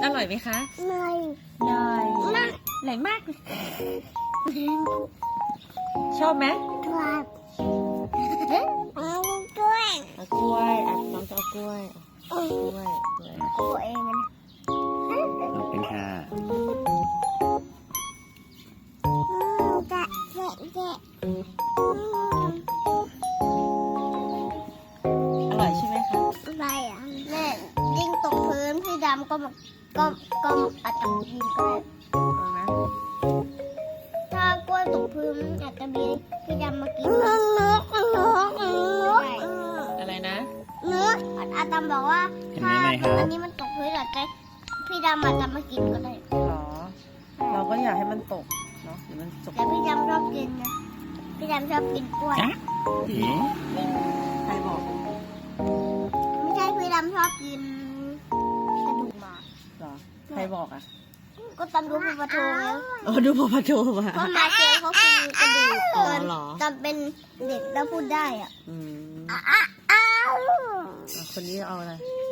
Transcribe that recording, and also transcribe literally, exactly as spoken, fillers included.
อร่อยไหมคะหน่อยอร่อยมากอร่อยมากเลยชอบไหมครับเอาด้วยเอากล้วยอ่ะน้องจะเอากล้วยเอากล้วยกล้วยตัวเองมันขอบคุณค่ะจะเจ๊เจ๊อร่อยใช่ไหมคะอะไรอ่ะแม่ยิงตกพื้นพี่ดำก็มาก็ก็อาจจะยิงก็ได้เอาไหมถ้ากล้วยตกพื้นอาจจะมีพี่ดำมากินนกนกนกนกอะไรนะนกอาตามบอกว่าเห็นไหมถ้าไหมครับอันนี้มันตกพื้นอาจจะพี่ดำอาจจะมากินก็ได้หรอ เราก็อยากให้มันตกเนาะหรือมันตกแต่พี่ดำชอบกินนะพี่ดำชอบกินกล้วยจ๊ะเอ๋ใครบอกไม่ใช่พี่ดำชอบกินกระดูกหมาหรอใครบอกอ่ะก็ตามดูพี่ปะโทแล้วอ๋อดูพอพะโจมาเพราะมาเจอเขากินกระดูกอ๋อตอนเหรอตอนเป็นเด็กแล้วพูดได้อ่ะอืมอ้าวอ่ะคนนี้เอาอะไร